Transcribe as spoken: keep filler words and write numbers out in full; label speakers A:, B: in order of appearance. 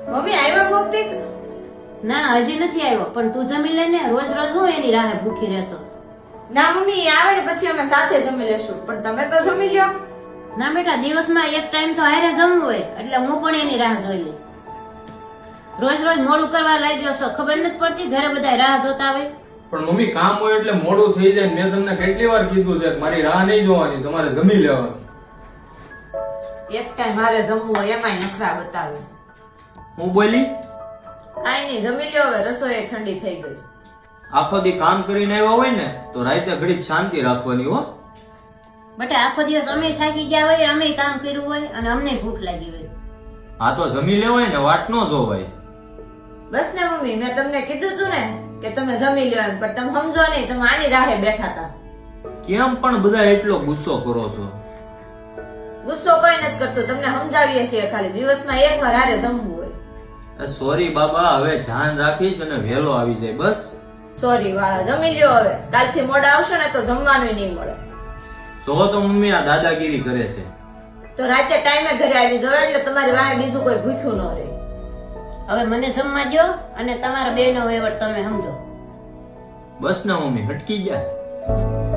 A: Mummy આવ્યા ભૌતિક?
B: ના હજી નથી આવ્યો, પણ તું જમી લે ને. રોજ રોજ હું એની રાહે ભૂખી રહેશો?
A: ના મમ્મી, એ આવે ને પછી અમે સાથે જમી લેશું, પણ તમે તો જમી લ્યો.
B: ના બેટા, દિવસમાં એક ટાઈમ તો હારે જમવું હોય, એટલે હું પણ એની રાહ જોઈ લઈ. રોજ રોજ મોડું કરવા લાગ્યો છો, ખબર નથી પડતી? ઘરે બધા રાહ જોતા હોય.
C: પણ મમ્મી કામ હોય એટલે મોડું થઈ જાય. મેં તમને કેટલી વાર કીધું છે કે મારી રાહ નહીં જોવાની, તમારે જમી લેવાની.
A: એક ટાઈમ મારે જમવું હોય એમાંય નખરા બતાવે.
D: હું બોલી?
A: કાઈ નહીં, જમી લ્યો હવે, રસોઈ ઠંડી થઈ ગઈ.
D: આખો દી કામ કરીને આવ્યા હોય ને તો રાતે ઘડીક શાંતિ રાખવાની હો.
B: બેટા, આખો દિવસ અમે થાકી ગયા હોય, અમે કામ કર્યું હોય અને અમને ભૂખ લાગી હોય.
D: આ તો જમી લેવાય ને, વાટ ન જોવાય.
A: બસ ને મમ્મી, મેં તમને કીધું તું ને કે તમે જમી લ્યો એમ, પણ તમે સમજો નહીં, તમે આની રાહે બેઠા હતા.
D: કેમ પણ બધા એટલો ગુસ્સો કરો છો?
A: ગુસ્સો કોઈ નથી કરતું, તમને સમજાવીએ છીએ ખાલી. દિવસમાં એક વાર હારે જમવું હોય.
D: સોરી બાબા, હવે ધ્યાન રાખીશ અને વહેલો આવી જાય બસ.
A: સોરી વાળા, જમી લ્યો હવે. કાલથી મોડા આવશો ને તો જમવાનું નહીં મળે.
D: તો તો મમ્મી આ દાદાગીરી કરે છે.
A: તો રાતે ટાઈમે ઘરે આવી જવાય, એટલે તમારી વાહે બીજું કોઈ ભૂખ્યું ન રહે.
B: હવે મને જમવા દો અને તમારા બે નો વહીવટ તમે સમજો.
D: બસ ને મમ્મી, હટકી ગયા.